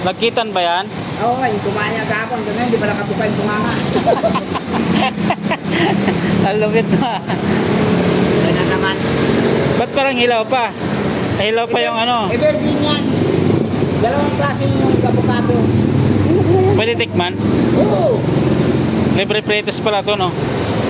Nagkitan ba yan? Oo, yung kumaya gapon. Ganyan, hindi pala kabuka yung bunganga. Ang lupit na. Ganyan naman. Ba't parang hilaw pa? Hilaw pa yung ano? Evergreen yan. Dalawang klase yung kabukado. Pwede tikman? Oo. Libre pretes pala to, no?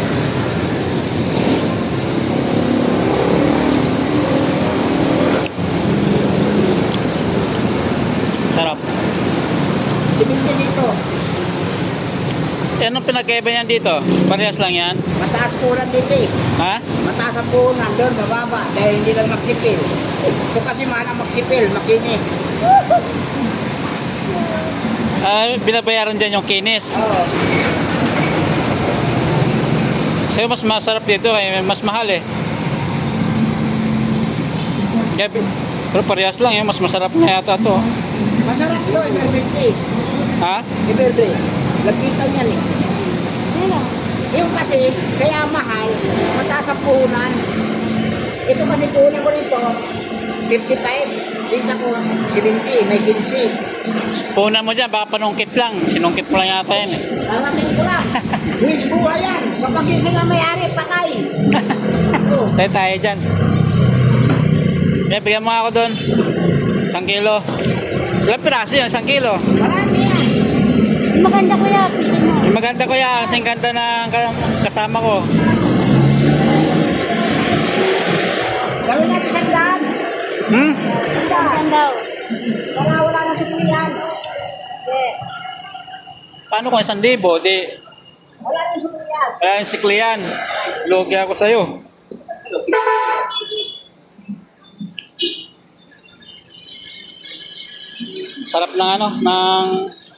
Sarap. Siminti dito. Eh, anong pinagkaiba yan dito? Parehas lang yan? Mataas punan dito eh. Ha? Mataas ang punan. Doon, mababa. Dahil hindi lang magsipil. Ito kasi mana magsipil, makinis. Binabayaran dyan yung kinis. Oo. Kasi mas masarap dito, mas mahal eh. Kaya, pero parehas lang mas masarap na yata to. Masarap to, evergreen eh. Ha? Evergreen. Lagkitan yan eh. Yung kasi, kaya mahal, mataas ang puhunan. Ito kasi puhunan ko nito, 55. Dito ko, 70, may 15. Punan mo dyan, baka panungkit lang. Sinungkit mo lang yata yan eh. Alamin ko lang. Luis buhay yan. Kapag gising ang may-ari, patay. Oh. Tayo dyan. Bigyan mo ako doon. 1 kilo. Ilang piraso yun? 1 kilo? Marami yan. Maganda kuya, pili mo. Yung maganda ko yan. Kasing ganda ng kasama ko. Gawin natin sandaan. Sandaan daw. Wala na sukulian. Paano kung 1,000? Di, Wala na sukulian. kaya yung siklian. Logi ako sa'yo. Sarap ng ano, ng...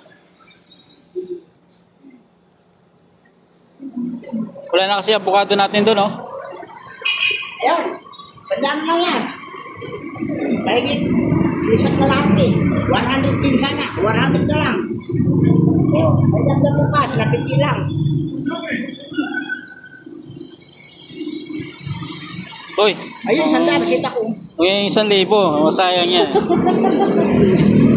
Wala na kasi avocado natin doon, oh. Ayun. Sandaan lang yan. Kahit isat na lahat eh. 100 din sana. 100 na lang. Oh, may dagdag ka pa. Napiti lang. Uy, Ayun, sandaan. Kita ko. yung 1,000. Sayang yan.